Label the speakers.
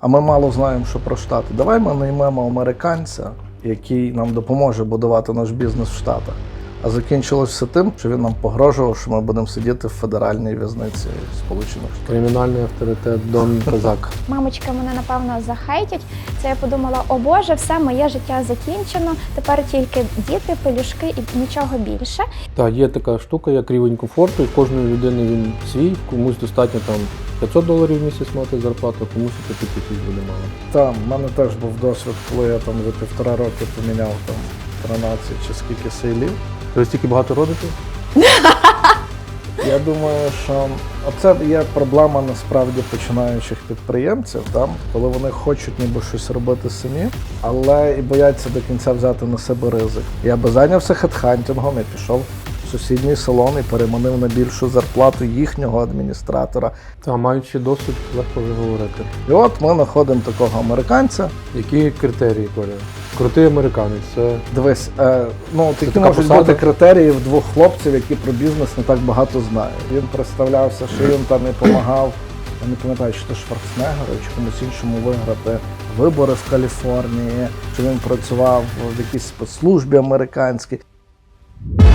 Speaker 1: а ми мало знаємо, що про Штати. Давай ми наймемо американця, який нам допоможе будувати наш бізнес в Штатах. А закінчилось все тим, що він нам погрожував, що ми будемо сидіти в федеральній в'язниці Сполучених Штатів.
Speaker 2: Кримінальний авторитет Дон Козак.
Speaker 3: Мамочка мене, напевно, захейтять. Це я подумала, о Боже, все, моє життя закінчено, тепер тільки діти, пелюшки і нічого більше.
Speaker 2: Так, є така штука, як рівень комфорту, і в кожної людини він свій, комусь достатньо там $500 в місяць мати зарплату, комусь і 5 тисяч буде мало.
Speaker 1: Там, в мене теж був досвід, коли я там за 1,5 роки поміняв там 13 чи скільки сейлів.
Speaker 2: Ви стільки багато родите?
Speaker 1: Я думаю, що оце є проблема насправді починаючих підприємців, там, коли вони хочуть ніби щось робити самі, але і бояться до кінця взяти на себе ризик. Я би зайнявся хедхантингом, я пішов в сусідній салон і переманив на більшу зарплату їхнього адміністратора.
Speaker 2: Та, маючи досвід, легко вже говорити.
Speaker 1: І от ми знаходимо такого американця.
Speaker 2: Які критерії, Коля? Крутий американець, це...
Speaker 1: Дивись, які
Speaker 2: така
Speaker 1: можуть
Speaker 2: посада?
Speaker 1: бути критерії в двох хлопців, які про бізнес не так багато знають. Він представлявся, що він там і допомагав, я не пам'ятаю, чи то Шварценеггеру, чи комусь іншому виграти вибори в Каліфорнії, чи він працював в якійсь спецслужбі американській.